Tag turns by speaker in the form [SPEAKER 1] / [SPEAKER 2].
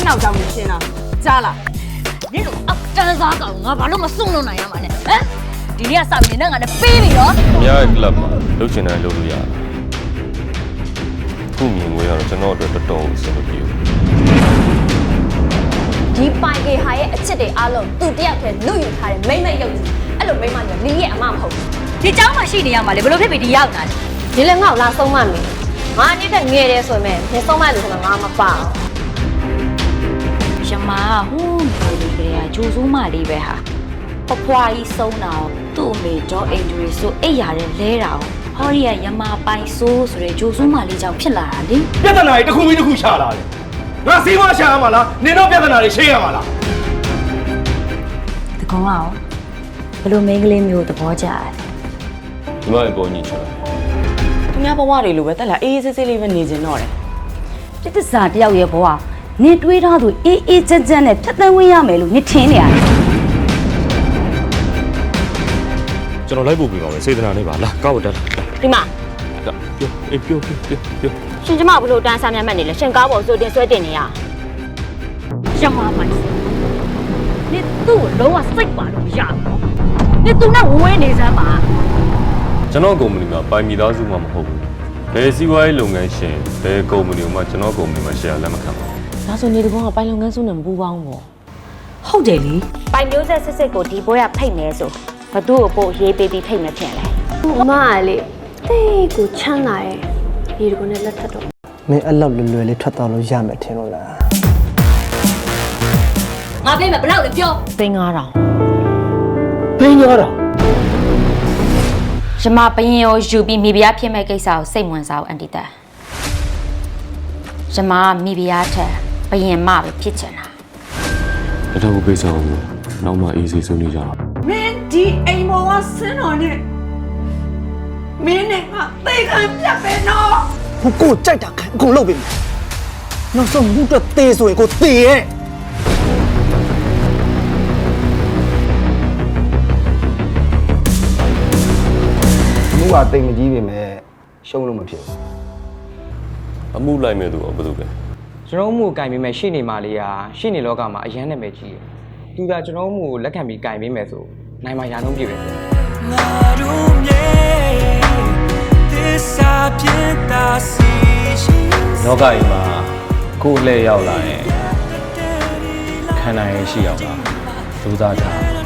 [SPEAKER 1] နောက်ကြောင်နေရှင်းတာကြားလား
[SPEAKER 2] 你都啊，真是咋搞？我把那么送到哪样嘛呢？哎，ဒီနေ့ကစပြီးနဲ့ငါနဲ့ပေးပြီရော
[SPEAKER 3] ။အများရဲ့ club မှာလုပ်ချင်တယ်လုပ်လို့ရတယ်။ခုမြင်ငွေကတော့ကျွန်တော်အတွက်တော်တော်အဆင်မပြေဘူး
[SPEAKER 4] ဒီပိုင်ကေဟာရဲ့အချစ်တွေအားလုံးသူတယောက်တည်းလူယူထားတဲ့မိမ့်မိတ်ရုပ်ကြီးအဲ့လိုမိမ့်မမျိုးလီရဲ့အမမဟုတ်ဘူး
[SPEAKER 2] ဒီเจ้าမှရှိနေရမှာလေဘယ်လိုဖြစ်ပြီးဒီရောက်တာလဲ
[SPEAKER 4] ဒီလည်းငါ့ကိုလာဆုံးမမယ်ငါအနေနဲ့ငယ်တယ်ဆိုရင်မင်းဆုံးမလို့ဆိုတော့ငါမပါဘူး
[SPEAKER 2] ရမဟိုးနေလေကလေးကဂျိုးစိုးမလေးပဲဟာအဖွားကြီးဆုံးတာသူ့အမေဒေါ်အင်ဂျရီဆိုအိတ်ရတဲ့လဲတာဟောရီကရမပိုင်ဆိုးဆိုတဲ့ဂျိုးစိုးမလေးကြောင့်ဖြစ်လာတာလေ
[SPEAKER 5] ပြဿနာတွေတစ်ခုပြီးတစ်ခုရှာလာတယ်ငါစီးပွားရှာရမှာလားနင်တို့ပြဿနာတွေရှင်းရမှာလား
[SPEAKER 2] တကောင်အောင်ဘယ်လိုမိန်းကလေးမျိုးသဘောကျတယ်
[SPEAKER 3] ။ဒီမှာပေါ်ညီချင်တယ်
[SPEAKER 1] သူများဘဝတွေလိုပဲတက်လာအေးအေးဆေးဆေးလေးပဲနေကျင်တော့တယ်
[SPEAKER 2] ပြစ်သစာတယောက်ရဲ့ဘဝနင်တွေးထားသူအေးအေးချမ်းချမ်းနဲ့ဖြတ်သန်းဝင်ရမယ်လို့နင်ထင်နေရတယ်
[SPEAKER 3] ။ကျွန်တော်လိုက်ပို့ပေးပါမယ်စေတနာနဲ့ပါလားကောက်တက်လာ
[SPEAKER 4] ဒီမှာ
[SPEAKER 3] ။ပြောအေးပြော
[SPEAKER 4] ရှင်ကျမဘလို့တန်းစားမြတ်မှတ်နေလဲရှင်ကားပေါ်ဆိုတင်ဆွဲတင်နေရ
[SPEAKER 2] ရမပိုင်နင်သူ့ကိုလုံးဝစိတ်ပါလို့မရဘူးနင်သူနဲ့ဝဲနေစမ်းပါ
[SPEAKER 3] ။ကျွန်တော်ကုမ္ပဏီမှာပိုင်မိသားစုမှမဟုတ်ဘူး။ဘယ်စီးပွားရေးလုပ်ငန်းရှင်ဘယ်ကုမ္ပဏီမှကျွန်တော်ကုမ္ပဏီမှာ share လက်မခံပါဘူး
[SPEAKER 1] ဒါဆိုနေတကောကပိုင်လုပ်ငန်းစုနဲ့မပူပေါင်းဘူး
[SPEAKER 2] ဟုတ်တယ်လေ
[SPEAKER 4] ပိုင်မျိုးဆက်စစ်စစ်ကိုဒီဘွဲကဖိတ်နေဆိုဘသူ့ကိုပို့ရေးပေးပြီးဖိတ်မဖြစ်လဲအမကလေတိတ်ကိုချမ်းသာရဲ့ဒီကုန်းနဲ့လက်ထပ်တော့
[SPEAKER 6] မင်းအဲ့လောက်လွယ်လွယ်လေးထွက်သွားလို့ရမယ်ထင်လို့လား
[SPEAKER 2] ငါပြေးမယ်ဘယ်လောက်လဲပြော
[SPEAKER 1] သိန်း9000
[SPEAKER 6] ဘင်းရောတော့
[SPEAKER 2] ရမပရင်ရောယူပြီးမိဖုရားဖြစ်မဲ့ကိစ္စကိုစိတ်ဝင်စားအောင်အန်တီတာရမမိဖုရားထက်ပရင်မပဲဖြစ်ချင်တာ
[SPEAKER 3] ။အထောက်အပေးဆောင်ဘူး။နောက်မှအေးစေးဆုံးနေကြတော့
[SPEAKER 1] မင်းဒီအိမ်ပေါ်ကဆင်းတော်နဲ့မင်းနဲ့ငါသိခံပြတ်ပဲနော်
[SPEAKER 6] ဟိုကိုကြိုက်တာခံအကုန်လုပ်ပြီနောက်ဆုံးမှုတော့သေးဆိုရင်ကိုသေးရဲ့မှုကတိတ်မကြီးပြီမဲ့ရှုံးလို့မဖြစ်ဘူး
[SPEAKER 3] ။အမှုလိုက်မဲ့သူကဘာလုပ်လဲ
[SPEAKER 7] ကျွန်တော်မှုကိုကင်ပေးမယ်ရှိနေမှလေးဟာရှိနေလောကမှာအရန်နာမည်ကြီးတယ်။သူကကျွန်တော်မှုကိုလက်ခံပြီးကင်ပေးမယ်ဆိုနိုင်မှာရာနှုန်းပြည့်ပဲ။
[SPEAKER 3] ။လောကကြီးမှာကိုယ်လှည့်ရောက်လာရင်ခံနိုင်ရရှိအောင်ပါ။စူးစမ်းကြ